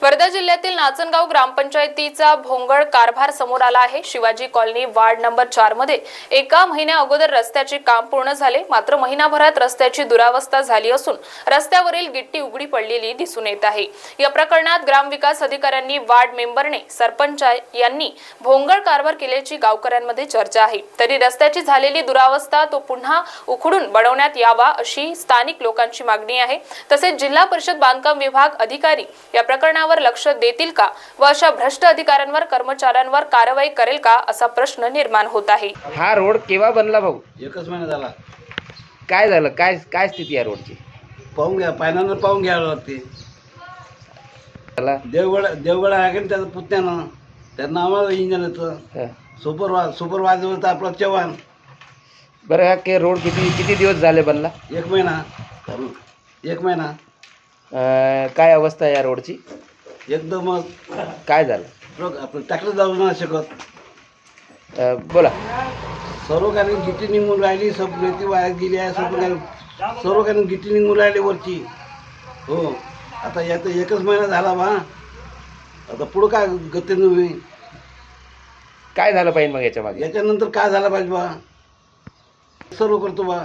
वर्धा जिल्ह्यातील नाचनगाव ग्रामपंचायतीचा भोंगळ कारभार समोर आला आहे। शिवाजी कॉलनी वार्ड नंबर 4 मध्ये एका महिन्या अगोदर रस्त्याचे काम पूर्ण झाले, मात्र महिनाभरात रस्त्याची दुरावस्था झाली असून रस्त्यावरील गिट्टी उघडी पडलेली दिसून येत आहे। या प्रकरणात ग्रामविकास अधिकाऱ्यांनी वार्ड मेंबरने सरपंच यांनी भोंगळ कारभार केल्याची गावकऱ्यांमध्ये चर्चा आहे। तरी रस्त्याची झालेली दुरावस्था तो पुन्हा उखडून बनवण्यात यावा अशी स्थानिक लोकांची मागणी आहे। तसेच जिल्हा परिषद बांधकाम विभाग अधिकारी या प्रकरणावर लक्ष देतील का व अशा भ्रष्ट अधिकाऱ्यांवर कर्मचाऱ्यांवर कारवाई करेल का असा प्रश्न निर्माण होत आहे। हा रोड केव्हा बनला भाऊ? एकच महिना झाला। काय झालं? काय स्थिती आहे रोडची? पाहून घ्या, पायनानं पाहून घ्यावं लागते। त्याला देवगड आहे का त्याचं पुतण्यानं, त्यांना आम्हाला इंजिनियरचं सुपरवायझर होता आपला चव्हाण। बरं, हा के रोड किती दिवस झाले बनला? एक महिना। काय अवस्था आहे या रोडची? एकदम काय झालं? आपलं ट्रॅक्टर जाऊ नाही शकत। बोला। सर्व काही गिट्टी निघून राहिली, सब रेती वाया गेली आहे, सर्व काही गिट्टी निघून राहिली वरची। हो, आता यात एकच महिना झाला बा, आता पुढं काय गतीनं होईल? काय झालं पाहिजे मग याच्या मागे? याच्यानंतर काय झालं पाहिजे बा, सर्व करतो बा।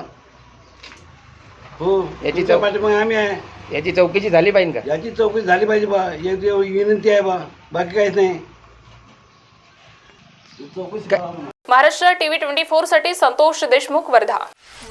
हो, याची पाठीमागे आम्ही आहे। याची चौकशी झाली पाहिजे का? याची चौकशी झाली पाहिजे बा, एक विनंती आहे बा, बाकी काहीच नाही। महाराष्ट्र टीव्ही 24 साठी संतोष देशमुख, वर्धा।